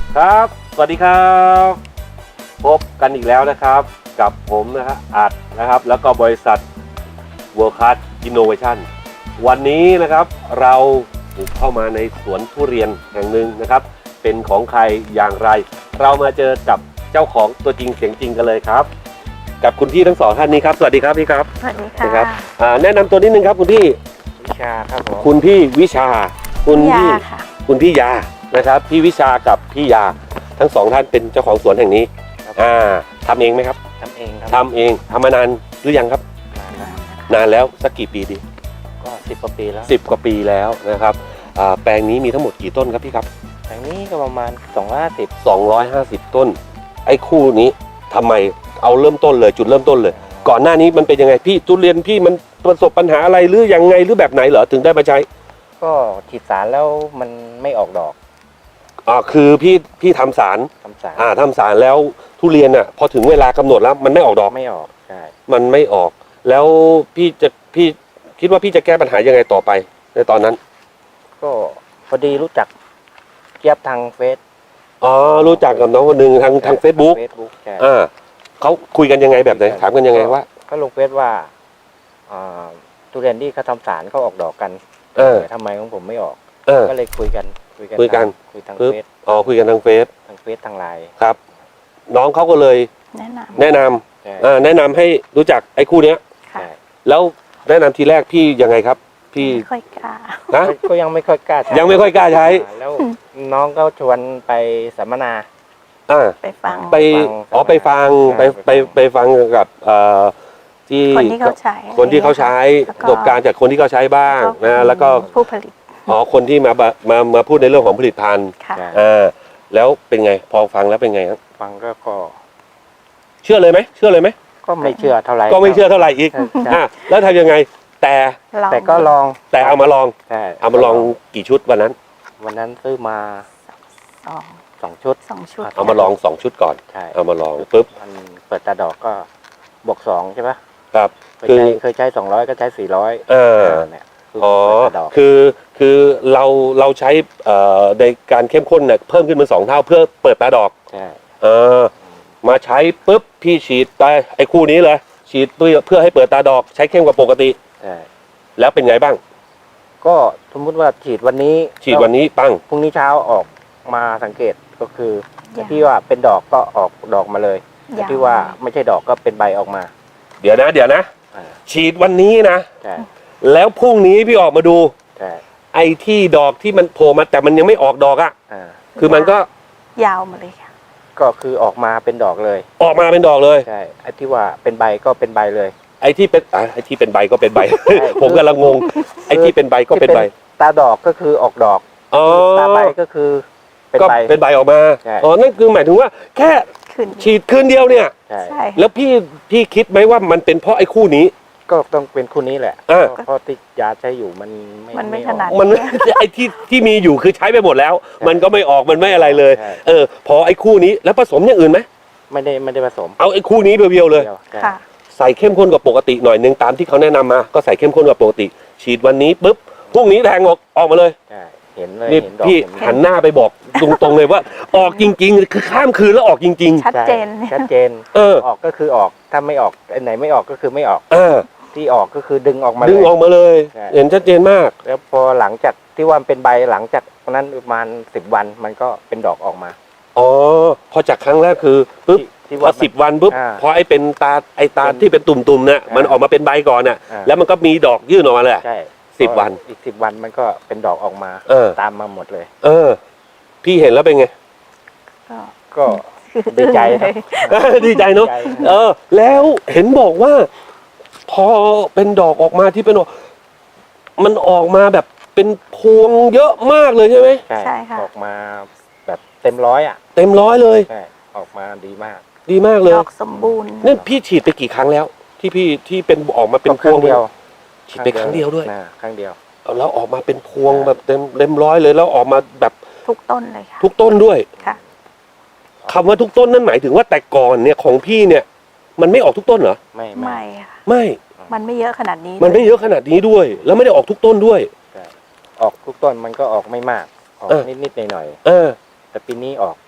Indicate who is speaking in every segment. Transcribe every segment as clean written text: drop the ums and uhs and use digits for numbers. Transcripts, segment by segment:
Speaker 1: ครับสวัสดีครับพบกันอีกแล้วนะครับกับผมนะฮะอัดนะครับแล้วก็บริษัท World Class Innovation วันนี้นะครับเราบุกเข้ามาในสวนทุเรียนแห่งหนึ่งนะครับเป็นของใครอย่างไรเรามาเจอกับเจ้าของตัวจริงเสียงจริงกันเลยครับกับคุณพี่ทั้งสองท่านนี้ครับสวัสดีครับพี่ครับ
Speaker 2: สวัสดีค่ะ
Speaker 1: นะครับแนะนำตัวนิดนึงครับคุณพี่
Speaker 3: วิชาครับผม
Speaker 1: คุณพี่วิชาคุณ
Speaker 2: ยา
Speaker 1: พี่
Speaker 2: ค่ะ
Speaker 1: คุณพี่ยานะครับพี่วิชากับพี่ยาทั้งสองท่านเป็นเจ้าของสวนแห่งนี้ทำเองไหมครับ
Speaker 3: ทำเองครับ
Speaker 1: ทำเองทำมานานหรือยังครับ
Speaker 3: นานแล้ว
Speaker 1: นานแล้วสักกี่ปีดี
Speaker 3: ก็10 กว่าปีแล้ว
Speaker 1: 10 กว่าปีแล้วนะครับแปลงนี้มีทั้งหมดกี่ต้นครับพี่ครับ
Speaker 3: อย่างนี้ก็ประมาณ250
Speaker 1: 250 ต้นไอ้คู่นี้ทำไมเอาเริ่มต้นเลยจุดเริ่มต้นเลย ก่อนหน้านี้มันเป็นยังไงพี่ทุเรียนพี่มันประสบปัญหาอะไรหรือยังไงหรือแบบไหนเหรอถึงได้มาใช้
Speaker 3: ก็ฉีดสารแล้วมันไม่ออกดอก
Speaker 1: คือพี่ทำสาร
Speaker 3: ทำสาร
Speaker 1: ทำสารแล้วทุเรียนพอถึงเวลากำหนดแล้วมันไม่ออกดอก
Speaker 3: ไม่ออกใช่
Speaker 1: มันไม่ออก แล้วพี่คิดว่าพี่จะแก้ปัญหายังไงต่อไปในตอนนั้น
Speaker 3: ก็พอดีรู้จักเจี๊ยบทางเฟซ
Speaker 1: รู้จักกับน้องคนหนึ่งทาง Facebook
Speaker 3: ใช่
Speaker 1: เขาคุยกันยังไงแบบไหนถามกันยังไงว่า
Speaker 3: ก็ลงเฟซว่าทุเรียนที่เขาทำสารเขาออกดอกกันทำไมของผมไม่ออกก็เลยคุยกันคุยทางเฟซ
Speaker 1: คุยกันทางเฟซ
Speaker 3: ทางไลน์
Speaker 1: ครับ น้องเขาก็เลย
Speaker 2: แนะน
Speaker 1: แนะนำ
Speaker 3: ใช่
Speaker 1: แนะนำให้รู้จักไอ้คู่เนี้ย
Speaker 2: ำค่ะ
Speaker 3: ใช่
Speaker 1: แล้วแนะนำทีแรกพี่ยังไงครับ พี่
Speaker 2: ไม่ค่อยกล้า
Speaker 1: นะ
Speaker 3: ก็ยังไม่ค่อยกล้าใช้
Speaker 1: ยังไม่ค่อยกล้าใช้
Speaker 3: แล้วน้องก็ชวนไปสัมมนา
Speaker 2: ไปฟัง
Speaker 1: ไป
Speaker 3: ไปฟัง
Speaker 1: ไปฟังกับที่
Speaker 2: คนที่เขาใช้
Speaker 1: คนที่เขาใช้
Speaker 2: แล้ว
Speaker 1: ประสบการณ์จากคนที่เขาใช้บ้างนะแล้วก็
Speaker 2: ผู้ผลิต
Speaker 1: คนที่มาพูดในเรื่องของผลิตภัณฑ์
Speaker 2: ค่ะ
Speaker 3: ใช่
Speaker 1: แล้วเป็นไงพอฟังแล้วเป็นไงครับ
Speaker 3: ฟังก็
Speaker 1: เชื่อเลยไหม
Speaker 3: ก็ไม่เชื่อเท่าไหร่
Speaker 1: ก็ไม่เชื่อเท่าไหร่อีก
Speaker 3: ใช่
Speaker 1: แล้วทำยังไง แต่
Speaker 3: แต่ก็ลอง
Speaker 1: เอามาลอง
Speaker 3: ใช่
Speaker 1: เอามาลองกี่ชุดวันนั้น
Speaker 3: วันนั้นซื้อมา
Speaker 2: สอง
Speaker 3: 2 ชุด
Speaker 2: ชุด
Speaker 1: เอามาลอง2 ชุดก่อน
Speaker 3: ใช่
Speaker 1: เอามาลองปุ๊บ
Speaker 3: มันเปิดตาดอกก็บวก2ใช่ปะ
Speaker 1: ครับ
Speaker 3: เคยใช้200ก็ใช้400 เนี่ยคือ
Speaker 1: อ๋อ
Speaker 3: เปิดตาดอก
Speaker 1: คือเราใช้ในการเข้มข้นเนี่ยเพิ่มขึ้นเป็น2 เท่าเพื่อเปิดตาดอก
Speaker 3: ใช่
Speaker 1: มาใช้ปุ๊บพี่ฉีดไปไอ้คู่นี้เลยฉีดเพื่อให้เปิดตาดอกใช้เข้มกว่าปกติ
Speaker 3: ใช่
Speaker 1: แล้วเป็นไงบ้าง
Speaker 3: ก็สมมติว่าฉีดวันนี้
Speaker 1: ฉีดวันนี้ปั้ง
Speaker 3: พรุ่งนี้เช้าออกมาสังเกตก็คือ
Speaker 2: อย่าง
Speaker 3: ที่ว่าเป็นดอกก็ออกดอกมาเลย
Speaker 2: อย่าง
Speaker 3: ที่ว่าไม่ใช่ดอกก็เป็นใบออกมา
Speaker 1: เดี๋ยวนะ
Speaker 3: อ่า
Speaker 1: ฉีดวันนี้นะ
Speaker 3: ใช่
Speaker 1: แล้วพรุ่งนี้พี่ออกมาดู
Speaker 3: ใช่
Speaker 1: ไอ้ที่ดอกที่มันโผล่มาแต่มันยังไม่ออกดอกอ่ะคือมันก็
Speaker 2: ยาวมาเลยค่ะ
Speaker 3: ก็คือออกมาเป็นดอกเลย
Speaker 1: ออกมาเป็นดอกเลย
Speaker 3: ใช่ไอ้ที่ว่าเป็นใบก็เป็นใบเลย
Speaker 1: ไอ้ที่เป็นใบก็เป็นใบ ผมกำลังงงไอ้ที่เป็นใบก็เป็นใบ
Speaker 3: ตาดอกก็คือออกดอก
Speaker 1: อ๋อ
Speaker 3: ตาใบก็คือเป็น
Speaker 1: ก็
Speaker 3: ใบ
Speaker 1: เป็นใบออกมา
Speaker 3: ใช่
Speaker 1: นั่นคือหมายถึงว่าแค่
Speaker 2: ขึ้น
Speaker 1: ฉีดคืนเดียวเนี่ย
Speaker 3: ใช่
Speaker 2: ใช่
Speaker 1: แล้วพี่คิดไหมว่ามันเป็นเพราะไอ้คู่นี้
Speaker 3: ก็ต้องเป็นคู่นี้แหละ เพราะที่ยาใช้อยู่มัน
Speaker 2: มันไม่
Speaker 3: ออก
Speaker 2: ขนาด
Speaker 1: มัน ไอ้ที่มีอยู่คือใช้ไปหมดแล้ว มันก็ไม่ออกมันไม่อะไรเลย
Speaker 3: ใช่
Speaker 1: พอไอ้คู่นี้แล้วผสมอย่างอื่นไหม
Speaker 3: ไม่ได้ผสม
Speaker 1: เอาไอ้คู่นี้เพียวๆเลย
Speaker 3: ดีวใช่
Speaker 2: ค่ะ
Speaker 1: ใส่เข้มข้นกว่าปกติหน่อยนึงตามที่เขาแนะนำมาก็ใส่เข้มข้นกว่าปกติ ฉีดวันนี้ปุ๊บพรุ่งนี้แทงออกมาเลย
Speaker 3: ใช่เห็นเลย
Speaker 1: นี่
Speaker 3: เห็นดอก
Speaker 1: พี่
Speaker 3: เห็น
Speaker 1: หันหน้าไปบอกตรงๆเลยว่า ออกจริงๆคือข้ามคืนแล้วออกจริง
Speaker 2: ชัดเจน
Speaker 3: ใช่ชัดเจน
Speaker 1: เออ
Speaker 3: ออกก็คือออกถ้าไม่ออกอันไหนไม่ออกก็คือไม่ออก
Speaker 1: ๆ
Speaker 3: ที่ออกก็คือดึงออกมา
Speaker 1: ดึ
Speaker 3: เล
Speaker 1: ง
Speaker 3: ย
Speaker 1: ออกมาเลย
Speaker 3: ใช่
Speaker 1: เห็นชัดเจนมาก
Speaker 3: แล้วพอหลังจากที่ว่ามันเป็นใบหลังจากนั้นประมาณ10 วันมันก็เป็นดอกออกมา
Speaker 1: อ๋อพอจากครั้งแรกคือปุ๊บ
Speaker 3: ที่
Speaker 1: พอ
Speaker 3: ว่า
Speaker 1: 10 วันปุ๊บ
Speaker 3: อ่า
Speaker 1: พอไอ้เป็นตาที่เป็นตุ่มๆเนี่ย
Speaker 3: อ่ามั
Speaker 1: มันออกมาเป็นใบก่อนน่ะ แล้วมันก็มีดอกยื่นออกมาเลย
Speaker 3: ใช่
Speaker 1: 10 วัน
Speaker 3: อีก10 วันมันก็เป็นดอกออกมา ตามมาหมดเลย
Speaker 1: พี่เห็นแล้วเป็นไง
Speaker 2: ก็
Speaker 3: ก็ดีใจครับ
Speaker 1: ดีใจเนาะ
Speaker 3: ดีใจ
Speaker 1: แล้วเห็นบอกว่า พอเป็นดอกออกมาที่เป็นดอกมันออกมาแบบเป็นพวงเยอะมากเลยใช่ไหม
Speaker 2: ใช่ค่ะ
Speaker 3: ออกมาแบบเต็มร้อยอ่ะ
Speaker 1: เต็มร้อยเลย
Speaker 3: ใช่ออกมาดีมาก
Speaker 1: ดีมากเลย
Speaker 2: ดอกสมบูรณ์
Speaker 1: นั่นพี่ฉีดไปกี่ครั้งแล้ว ที่เป็นออกมาเป็นพวง
Speaker 3: ครั้งเดียว
Speaker 1: ฉีดไปครั้งเดียวด้วย
Speaker 3: ครั้งเดียว
Speaker 1: แล้วออกมาเป็นพวงแบบเต็มร้อยเลยแล้วออกมาแบบ
Speaker 2: ทุกต้นเลยค่ะ
Speaker 1: ทุกต้นด้วย
Speaker 2: ค่ะ
Speaker 1: คำว่าทุกต้นนั่นหมายถึงว่าแต่ก่อนเนี่ยของพี่เนี่ย มันไม่ออกทุกต้นเหรอ
Speaker 2: ไม่ค่ะ
Speaker 1: ไม่
Speaker 2: มันไม่เยอะขนาดนี้
Speaker 1: มันไม่เยอะขนาดนี้ด้วย แล้วไม่ได้ออกทุกต้นด้วย
Speaker 3: ออกทุกต้นมันก็ออกไม่มาก ออก
Speaker 1: เออ
Speaker 3: นิดๆหน่อย
Speaker 1: เออ
Speaker 3: ๆแต่ปีนี้ออก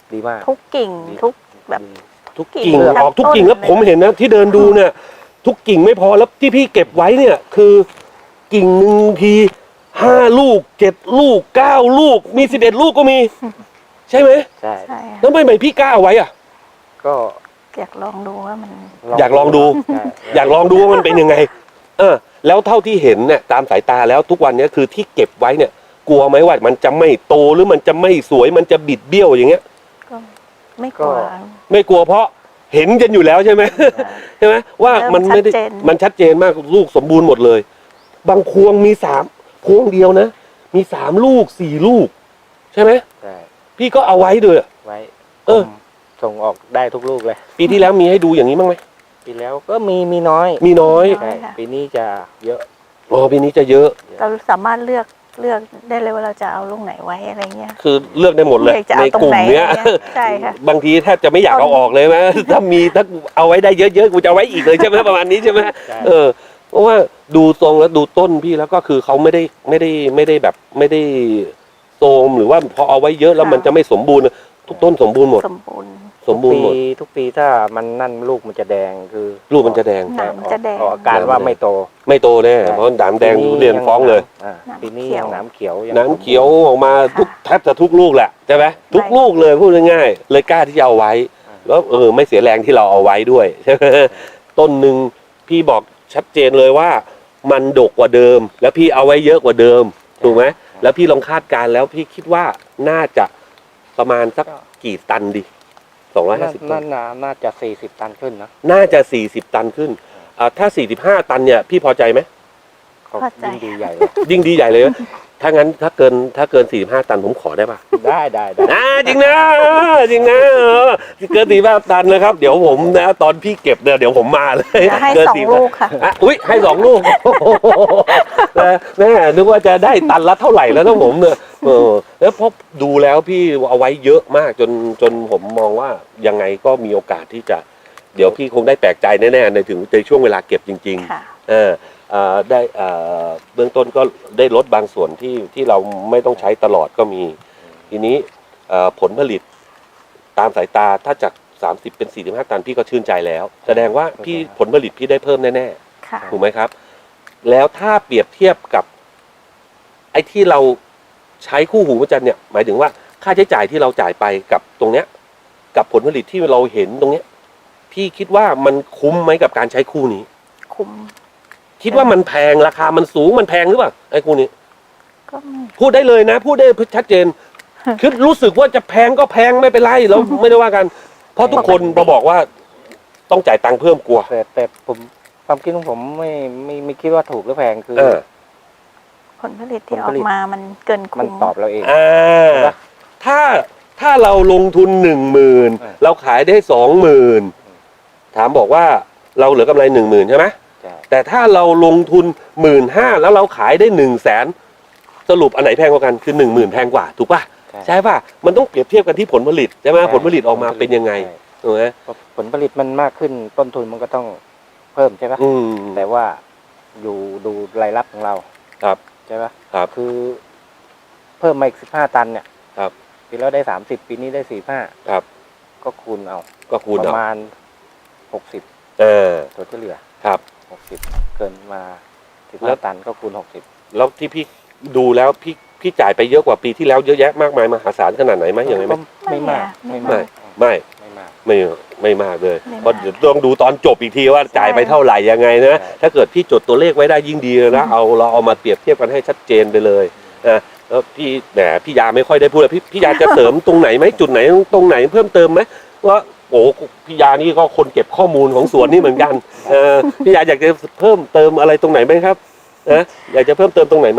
Speaker 3: ดีมาก
Speaker 2: ทุกกิ่ง
Speaker 3: ดี
Speaker 2: ทุกแบบ
Speaker 1: ทุกกิ่ง
Speaker 2: ทั้ง
Speaker 1: ออกทุกกิ่ง
Speaker 2: ต้น
Speaker 1: แล้วผมเห็นนะที่เดินดูเนี่ย ทุกกิ่งไม่พอแล้วที่พี่เก็บไว้เนี่ย คือกิ่งหนึ่งที5 ลูก 7 ลูก 9 ลูกมี11 ลูกก็มี ใช่ไหม
Speaker 3: ใช่
Speaker 2: ใช่ค่ะ
Speaker 1: แล้วทำไมพี่กล้าเอาไว้อ่ะ
Speaker 3: ก็
Speaker 2: อยากลองดูว่ามัน
Speaker 1: อยากลองดู
Speaker 3: ใช่
Speaker 1: อยากลองดูว่ามันเป็นยังไง แล้วเท่าที่เห็นเนี่ยตามสายตาแล้วทุกวันเนี้ยคือที่เก็บไว้เนี่ย กลัวไหมว่ามันจะไม่โตหรือมันจะไม่สวยมันจะบิดเบี้ยวอย่างเงี้ย
Speaker 2: ก็ไม่กลัว
Speaker 1: ไม่กลัวเพราะเห็นกันอยู่แล้วใช่ไหม ใช่ไหมว่ามันไม่ได้
Speaker 2: เริ่มชัดเจน
Speaker 1: มันชัดเจนมากลูกสมบูรณ์หมดเลย บางพวงมีพวงเดียวนะ มี3 ลูก 4 ลูก ใช่ไหม
Speaker 3: ใช่
Speaker 1: พี่ก็เอาไว้ด้วย
Speaker 3: ไว้
Speaker 1: เออ
Speaker 3: ผมส่งออกได้ทุกลูกเลย
Speaker 1: ปีที่แล้วมีให้ดูอย่างนี้บ้างไหม
Speaker 3: ปีแล้วก็มีน้อย
Speaker 1: มีน้อย
Speaker 3: ใช่ปีนี้จะเยอะ
Speaker 1: อ๋อปีนี้จะเยอะ
Speaker 2: เราสามารถเลือกได้เลยว่าเราจะเอาลูกไหนไว้อะไรเงี้ย
Speaker 1: คือเลือกได้หมดเลย
Speaker 2: เลือกจะ
Speaker 1: ใน
Speaker 2: เอาตร
Speaker 1: ก
Speaker 2: ง
Speaker 1: ลุ่ม
Speaker 2: ไหน
Speaker 1: เนี้ย
Speaker 2: อะไรเงี้ยใช่ค่ะ
Speaker 1: บางทีแทบจะไม่อยากเอาออกเลยไหม ถ้าเอาไว้ได้เยอะๆกูจะเอาไว้อีกเลยใช่ไหมประมาณนี้ใช่ไหม
Speaker 3: ใช่
Speaker 1: เพราะว่าดูทรงแล้วดูต้นพี่แล้วก็คือเขาไม่ได้แบบไม่ได้โทรมหรือว่าพอเอาไว้เยอะแล้วมันจะไม่สมบูรณ์ทุกต้นสมบูรณ์หมด
Speaker 2: สมบูรณ์
Speaker 1: สมบูรณ์หมด
Speaker 3: ทุกปีถ้ามันนั่นลูกมันจะแดงคือ
Speaker 1: ลูกมันจะแดง
Speaker 2: หนามจะแดง
Speaker 3: ออกอาการว่าไม่โต
Speaker 1: ไม่โตแน่
Speaker 3: ใช่
Speaker 1: เพราะหนามแดงทุเรียนฟ้องเลย
Speaker 3: อ่า
Speaker 2: หนาม
Speaker 3: ปีนี้
Speaker 2: เขียว
Speaker 3: ยังหนามเขียวยัง
Speaker 1: หนามเขียวออกมาแทบจะทุกลูกแหละใช่ไหมทุกลูกเลยพูดง่ายๆเลยกล้าที่จะเอาไว้ แล้วไม่เสียแรงที่เราเอาไว้ด้วยใช่ไหมต้นหนึ่งพี่บอกชัดเจนเลยว่า มันดกกว่าเดิม แล้วพี่เอาไว้เยอะกว่าเดิมถูกไหมแล้วพี่ลองคาดการณ์แล้วพี่คิดว่าน่าจะประมาณสักกี่ตันดี250 ตัน
Speaker 3: น่าจะ40 ตันขึ้นนะ
Speaker 1: น่าจะ40 ตันขึ้นถ้า45 ตันเนี่ยพี่พอใจไหม
Speaker 3: เขา
Speaker 2: เข้าใจ
Speaker 3: ยิ่งดีใหญ่เลย
Speaker 1: ยิ่งดีใหญ่เลย ถ้างั้นถ้าเกิน45 ตันผมขอได้ปะ
Speaker 3: ได้
Speaker 1: จริงนะจริงนะเกิน45 ตันนะครับ เดี๋ยวผมนะตอนพี่เก็บเนี่ยเดี๋ยวผมมาเลย
Speaker 2: จะให้
Speaker 1: เกิน
Speaker 2: 2 ลูกค่ะ
Speaker 1: อุ๊ยให้2 ลูกแม่นึกว่าจะได้ตันละเท่าไหร่แล้วนะผมเนี่ยแล้วพอดูแล้วพี่เอาไว้เยอะมากจนผมมองว่ายังไงก็มีโอกาสที่จะ เดี๋ยวพี่คงได้แปลกใจแน่ๆในช่วงเวลาเก็บจริง
Speaker 2: ค่ะ
Speaker 1: ๆได้เบื้องต้นก็ได้ลดบางส่วนที่เราไม่ต้องใช้ตลอดก็มี ทีนี้ผลผลิตตามสายตาถ้าจาก30เป็น45 ตันพี่ก็ชื่นใจแล้ว แสดงว่าพี่ผลผลิตพี่ได้เพิ่มแน่
Speaker 2: ค่ะ
Speaker 1: ๆถูกไหมครับ แล้วถ้าเปรียบเทียบกับ ไอ้ที่เราใช้คู่หูพระจันทร์เนี่ยหมายถึงว่าค่าใช้จ่ายที่เราจ่ายไปกับตรงเนี้ย กับผลผลิตที่เราเห็นตรงเนี้ย พี่คิดว่ามันคุ้มไหมกับการใช้คู่นี้
Speaker 2: คุ้ม
Speaker 1: คิดว่ามันแพงราคามันสูงมันแพงหรือเปล่าไอ้คู่นี้
Speaker 2: ก็ไม่
Speaker 1: พูดได้เลยนะ พูดได้ชัดเจน คือรู้สึกว่าจะแพงก็แพงไม่เป็นไรเราไม่ได้ว่ากัน เพราะทุกคนมาบอกว่าต้องจ่ายตังค์เพิ่มกลัว
Speaker 3: แต่ผมความคิดของผมไม่คิดว่าถูกหรือแพงคือ
Speaker 2: ผลผลิตที่ออกมามันเกิน
Speaker 3: มัน
Speaker 2: คุ้ม
Speaker 3: ตอบเราเอง
Speaker 1: ถ้าเราลงทุน10,000เราขายได้20,000ถามบอกว่าเราเหลือกำไร10,000ใช่ไหม
Speaker 3: ใช่
Speaker 1: แต่ถ้าเราลงทุน15,000แล้วเราขายได้100,000สรุปอันไหนแพงกว่ากันคือ10,000แพงกว่าถูกป่ะใช่ป่ะมันต้องเปรียบเทียบกันที่ผลผลิตใช่ไหมผลผลิตออกมาเป็นยังไง
Speaker 3: ใช่
Speaker 1: ถูกไหม
Speaker 3: ผลผลิตมันมากขึ้นต้นทุนมันก็ต้องเพิ่มใช่ปะ
Speaker 1: อืม
Speaker 3: แต่ว่าดูรายรับของเรา
Speaker 1: ครับ
Speaker 3: ใช่ปะ
Speaker 1: ครับ
Speaker 3: คือเพิ่มมาอีก15 ตันเนี่ย
Speaker 1: ครับ
Speaker 3: ปีแล้วได้30ปีนี้ได้45
Speaker 1: ครับ
Speaker 3: ก็คูณเอา
Speaker 1: ก็คูณ
Speaker 3: ป
Speaker 1: เอา
Speaker 3: ระมาณ60 ตัวที่เหลือ
Speaker 1: ครับ
Speaker 3: 60เกินมา
Speaker 1: แล้ว
Speaker 3: 15 ตันก็คูณ60
Speaker 1: แล้วที่พี่ดูแล้วพี่จ่ายไปเยอะกว่าปีที่แล้วเยอะแยะมากมายมหาศาลขนาดไหนไหมอย่างไรไหม
Speaker 3: ก็ไม่มาก
Speaker 2: ไม่
Speaker 1: ไม่
Speaker 2: มาก
Speaker 1: ไม่
Speaker 3: ไม่มาก
Speaker 1: ไม่มากเลย
Speaker 2: ไม่มาก
Speaker 1: เพราะเดี๋ยวต้องดูตอนจบอีกทีว่าจ่ายไป
Speaker 2: ใช่
Speaker 1: เท่าไหร่ยังไงนะ
Speaker 3: ใช่
Speaker 1: ถ้าเกิดพี่จดตัวเลขไว้ได้ยิ่งดีเลยนะเราเอามาเปรียบเทียบกันให้ชัดเจนไปเลยนะแล้วพี่ยาไม่ค่อยได้พูดเลยพี่ยาจะเสริมตรงไหนไหมจุดไหนตรงไหนเพิ่มเติมไหมว่าโอ้พี่ยานี่ก็คนเก็บข้อมูลของสวนนี่เหมือนกันพี่ยาอยากจะเพิ่มเติมอะไรตรงไหนไหมครับอยากจะเพิ่มเติมตรงไหนไหม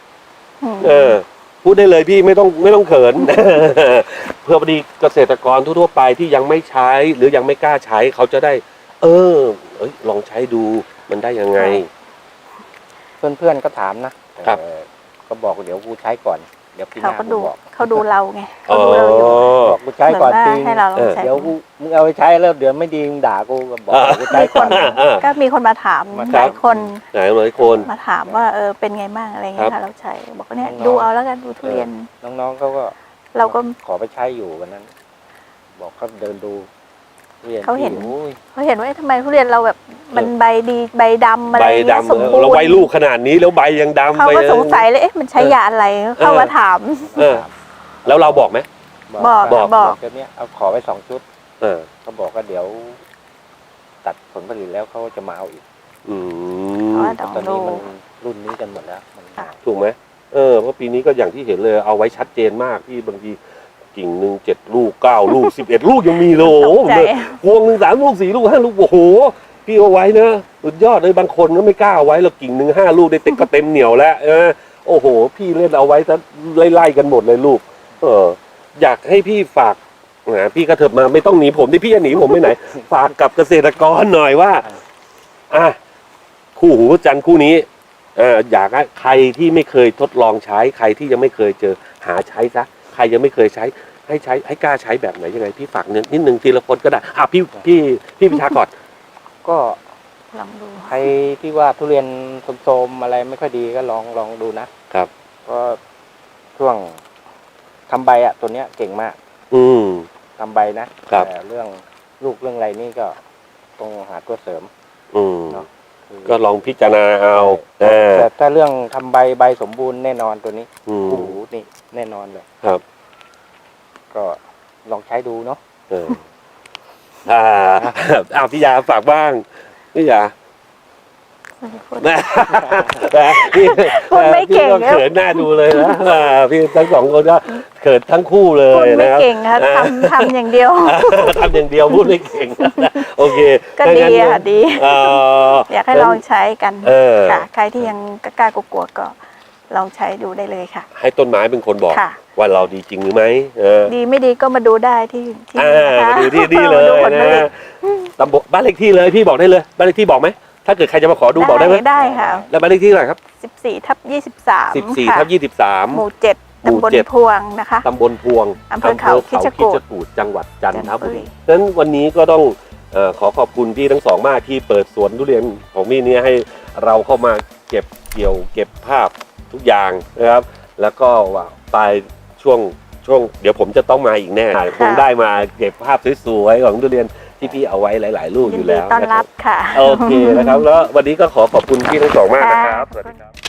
Speaker 1: พูดได้เลยพี่ไม่ต้องเขิน เพื่อพอดีเกษตรกรทั่วๆไปที่ยังไม่ใช้หรือยังไม่กล้าใช้เขาจะได้ ลองใช้ดูมันได้ยังไง
Speaker 3: เพื่อนๆก็ถามนะครับ ก็บอกเดี๋ยวกูใช้ก่อน เดี๋ยวปีห
Speaker 2: เขา
Speaker 3: น้า
Speaker 2: ก็
Speaker 3: กู
Speaker 2: ดู
Speaker 3: บอก
Speaker 2: เขาดูเราไงเขาดูเราอยู่
Speaker 3: บอกกูใช้
Speaker 2: เหมือน
Speaker 3: ก่อน
Speaker 2: ว่า
Speaker 3: จริง
Speaker 2: ให้เราลองใช้
Speaker 3: เดี๋ยวกูมึงเอาไปใช้แล้วเดี๋ยวไม่ดีมึงด่ากูก็บอกกูใช้
Speaker 2: มีค
Speaker 3: ก่อน น
Speaker 2: ก็มีคนมาถาม
Speaker 3: มา
Speaker 2: ห
Speaker 3: ถาม
Speaker 2: ลายคน
Speaker 1: ไหนหลายคน
Speaker 2: มาถามว่าเป็นไงบ้างอะไรเงี้ย
Speaker 1: ครั
Speaker 2: ค่ะ
Speaker 1: บ
Speaker 2: เราใช้บอกว่าเนี่ย
Speaker 3: น้องๆ
Speaker 2: ดูเอาแล้วกันดูทุเรียน
Speaker 3: น้องๆเขาก็
Speaker 2: เราก็
Speaker 3: ขอไปใช้อยู่วันนั้นบอกเขาเดินดูทุเรียน
Speaker 2: เขาเห็น
Speaker 3: ที่โอ้ย
Speaker 2: เขาเห็นว่าเอ๊ะทำไมทุเรียนเราแบบมันใบดีใบดำอะไร
Speaker 1: ใบ
Speaker 2: เงี้ย
Speaker 1: ดำ
Speaker 2: สมบูร
Speaker 1: เรา
Speaker 2: ณ์
Speaker 1: ใบลูกขนาดนี้แล้วใบยังดำ
Speaker 2: เขาก็
Speaker 1: ใบ
Speaker 2: สงสัยเลยเอ๊ะมันใช้ยาอะไรเข้ามาถาม
Speaker 1: เออแล้วเราบอกไหม
Speaker 2: บอก
Speaker 1: บอก
Speaker 3: เดี๋ยวนี้เอาขอไป2 ชุด
Speaker 1: เออ
Speaker 3: เขาบอกว่าเดี๋ยว ตัดผลผลิตแล้วเขาจะมาเอาอีก
Speaker 1: อื
Speaker 2: เพราะ
Speaker 1: ม
Speaker 2: ว่า
Speaker 3: แต่
Speaker 2: ต้อง
Speaker 3: ตอนนี้
Speaker 2: ดู
Speaker 3: มันรุ่นนี้กันหมดแล้วมัน
Speaker 2: ค่ะ
Speaker 1: ถูกไหมเพราะปีนี้ก็อย่างที่เห็นเลยเอาไว้ชัดเจนมากที่บางทีกิ่งหนึ่ง7 ลูก 9 ลูก 11 ลูกยังมีเลยโอ้โห
Speaker 2: ตกใจ
Speaker 1: พวงหนึ่ง3 ลูก 4 ลูก 5 ลูกโอ้โหพี่เอาไว้นะสุดยอดเลยบางคนก็ไม่กล้าเอาไว้แล้วกิ่งหนึ่ง5 ลูกได้เต็มก็เต็มเหนียวแล้วโอ้โห พี่เล่นเอาไว้ซะไล่ๆกันหมดเลยลูกอยากให้พี่ฝากพี่กระเถิบมาไม่ต้องหนีผมที่พี่จะหนีผมไปไหน ฝากกับเกษตรกรหน่อยว่าคู่หูจันทร์คู่นี้อยากให้ใครที่ไม่เคยทดลองใช้ใครที่ยังไม่เคยเจอหาใช้ซะใครยังไม่เคยใช้ให้กล้าใช้แบบไหนยังไงพี่ฝากนิดนึงทีละคนก็ได้พี่พิชากร
Speaker 3: ก็
Speaker 2: ลองดู
Speaker 3: ใครที่ว่าทุเรียนโทรมๆอะไรไม่ค่อยดีก็ลองดูนะครับ ก็ช่วงทำใบตัวเนี้ยเก่งมาก ทำใบนะครับ แต่เรื่องลูกเรื่องอะไรนี่ก็ต้องหาตัวเสริมเนาะ
Speaker 1: ก็ลองพิจารณาเอา
Speaker 3: แต่ถ้าเรื่องทำใบสมบูรณ์แน่นอนตัวนี้โอ้โหนี่แน่นอนเลย
Speaker 1: ครับ
Speaker 3: ก็ลองใช้ดูเนาะ
Speaker 1: พี่ยาฝากบ้างพี่ยา
Speaker 2: พูด
Speaker 1: พี่
Speaker 2: พูดไม่เก่ง
Speaker 1: พี่เขินหน้าดูเลยนะพี่ทั้งสองคนก็เขินทั้งคู่เล
Speaker 2: พูด
Speaker 1: ย
Speaker 2: ไม่
Speaker 1: นะครับ
Speaker 2: เก่งค่ะทำอย่างเดียว
Speaker 1: ทำอย่างเดียวพูดไม่เก่งโอเค
Speaker 2: ก็ดีค่ะดี
Speaker 1: อ
Speaker 2: อยากให้ลองใช้กัน
Speaker 1: อ
Speaker 2: ค่ะใครที่ยังกล้ากลัวๆก็ลองใช้ดูได้เลยค่ะ
Speaker 1: ให้ต้นไม้เป็นคนบอก
Speaker 2: ค่ะ
Speaker 1: ว่าเราดีจริงหรือไม่
Speaker 2: ดีไม่ดีก็มาดูได้ที่นะคะ
Speaker 1: มาดูที่นี่เลย
Speaker 2: มาดูผลผลิ
Speaker 1: นะ
Speaker 2: ต
Speaker 1: ตำบลบ้านเลขที่เลยพี่บอกได้เลยบ้านเลขที่บอกไหมถ้าเกิดใครจะมาขอดูบอกได้ไหม
Speaker 2: ได้ค่ะ
Speaker 1: แล้วบ้านเลขที่เท่าไหร่ครับ
Speaker 2: 14/23
Speaker 1: 14/23
Speaker 2: หมู่ 7 ตำบลพวงนะคะ
Speaker 1: ตำบลพวง
Speaker 2: อำเภอเขาคิชกูฏ
Speaker 1: กูฏจังหวัดจันทบุรี
Speaker 2: จันทบุรี
Speaker 1: ฉะนั้นวันนี้ก็ต้องขอขอบคุณพี่ทั้งสองมากที่เปิดสวนทุเรียนของพี่เนี่ยให้เราเข้ามาเก็บเกี่ยวเก็บภาพทุกอย่างนะครับ แล้วก็ว่าปลายช่วงเดี๋ยวผมจะต้องมาอีกแน่คงได้มาเก็บภาพสวยๆของทุเรียนที่พี่เอาไว้หลายๆลูก
Speaker 2: ยิ
Speaker 1: อน ยู่
Speaker 2: ดี
Speaker 1: แล้ว
Speaker 2: ต้อน
Speaker 1: นะค
Speaker 2: รั
Speaker 1: รั
Speaker 2: บบ ค่ะ
Speaker 1: โอเคนะครับแล้ววันนี้ก็ขอขอบคุณพี่ทั้งสองมากนะครับ
Speaker 2: ค่ะ
Speaker 1: สวัสดีครับ